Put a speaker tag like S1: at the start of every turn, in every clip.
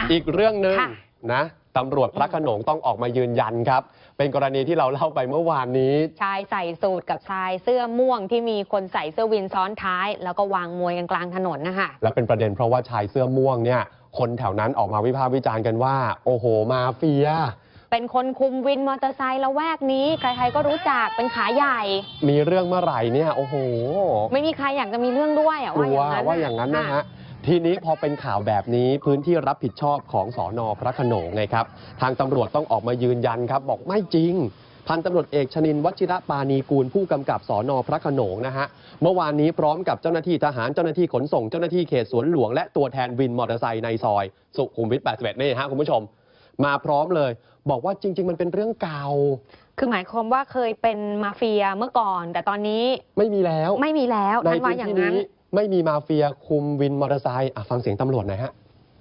S1: อีกเรื่องหนึ่ง
S2: ค่ะ
S1: นะตำรวจพระโขนงต้องออกมายืนยันครับ เป็นกรณีที่เราเล่าไปเมื่อวานนี้
S2: ชายใส่สูทกับชายเสื้อม่วงที่มีคนใส่เสื้อวินซ้อนท้าย แล้วก็วางมวยกันกลางถนนนะคะ
S1: และเป็นประเด็นเพราะว่าชายเสื้อม่วงเนี่ยคนแถวนั้นออกมาวิพากษ์วิจารณ์กันว่า โอ้โหมาเฟีย
S2: เป็นคนคุมวินมอเตอร์ไซค์ละแวกนี้ใครๆก็รู้จักเป็นขาใหญ่
S1: มีเรื่องเมื่อไหร่เนี่ยโอ้โห
S2: ไม่มีใครอยากจะมีเรื่องด้วย
S1: กลัวว่าอย่างนั้นนะฮะทีนี้พอเป็นข่าวแบบนี้พื้นที่รับผิดชอบของสน.พระโขนงไงครับทางตำรวจต้องออกมายืนยันครับบอกไม่จริงพันตำรวจเอกชนินทร์วชิระปานีกูลผู้กำกับสน.พระโขนงนะฮะเมื่อวานนี้พร้อมกับเจ้าหน้าที่ทหารเจ้าหน้าที่ขนส่งเจ้าหน้าที่เขตสวนหลวงและตัวแทนวินมอเตอร์ไซค์ในซอยสุขุมวิท 81 นี่ฮะคุณผู้ชมมาพร้อมเลยบอกว่าจริง ๆ มันเป็นเรื่องเก่า
S2: คือหมายความว่าเคยเป็นมาเฟียเมื่อก่อน แต่ตอนนี้
S1: ไม่มีแล้วใน
S2: ท่านว่า
S1: พื้น
S2: อย่าง
S1: ที่
S2: นั้น
S1: นี้ไม่มีมาเฟียคุมวินมอเตอร์ไซค์ฟังเสียงตำรวจหน่อยฮะ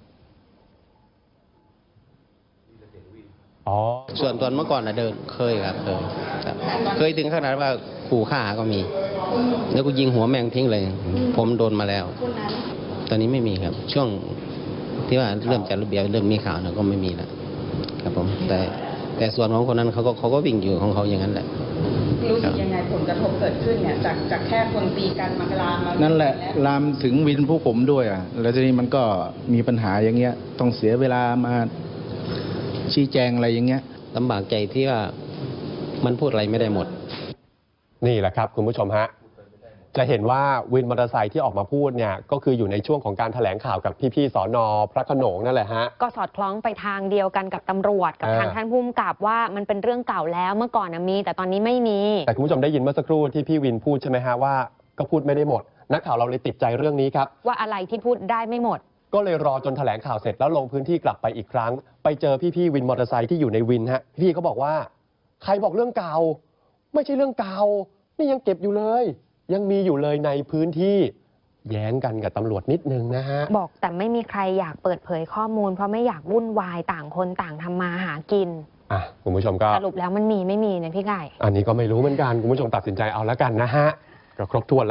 S1: อ๋อ
S3: ส่วนตอนเมื่อก่อนนะเดินเคยครับเคยถึงขนาดว่าขู่ฆ่าก็มี แล้วก็ยิงหัวแมงทิ้งเลย ผมโดนมาแล้ว ตอนนี้ไม่มีครับ ช่วงที่ว่าเริ่มจัดระเบียบเริ่มมีข่าวนะก็ไม่มีแล้วครับผมแต่ส่วนของคนนั้นเขาก็วิ่งอยู่ของเขาอย่างนั้นแหละ
S4: รู้สึกยังไงผลกระทบเกิดขึ้นเนี่ยจากแค่คนตีกันมาลามมา
S5: นั่นแหละลามถึงวินผู้ผมด้วยแล้วทีนี้มันก็มีปัญหาอย่างเงี้ยต้องเสียเวลามาชี้แจงอะไรอย่างเงี้ย
S3: ลำบากใจที่ว่ามันพูดอะไรไม่ได้หมด
S1: นี่แหละครับคุณผู้ชมฮะจะเห็นว่าวินมอเตอร์ไซค์ที่ออกมาพูดเนี่ยก็คืออยู่ในช่วงของการแถลงข่าวกับพี่ๆสน.พระโขนงนั่นแหละฮะ
S2: ก็สอดคล้องไปทางเดียวกันกับตำรวจกับทางท่านผู้กำกับว่ามันเป็นเรื่องเก่าแล้วเมื่อก่อนมีแต่ตอนนี้ไม่มี
S1: แต่คุณผู้ชมได้ยินเมื่อสักครู่ที่พี่วินพูดใช่ไหมฮะว่าก็พูดไม่ได้หมดนักข่าวเราเลยติดใจเรื่องนี้ครับ
S2: ว่าอะไรที่พูดได้ไม่หมด
S1: ก็เลยรอจนแถลงข่าวเสร็จแล้วลงพื้นที่กลับไปอีกครั้งไปเจอพี่ๆวินมอเตอร์ไซค์ที่อยู่ในวินฮะพี่เขาบอกว่าใครบอกเรื่องเก่าไม่ใช่เรื่องเก่านี่ยังเก็บอยู่เลยยังมีอยู่เลยในพื้นที่แย้งกันกับตำรวจนิดนึงนะฮะ
S2: บอกแต่ไม่มีใครอยากเปิดเผยข้อมูลเพราะไม่อยากวุ่นวายต่างคนต่างทำมาหากิน
S1: คุณผู้ชมก็
S2: สรุปแล้วมันมีไม่มีเนี่ยพี่ไก่
S1: อันนี้ก็ไม่รู้เหมือนกันคุณผู้ชมตัดสินใจเอาแล้วกันนะฮะก็ครบถ้วนแล้ว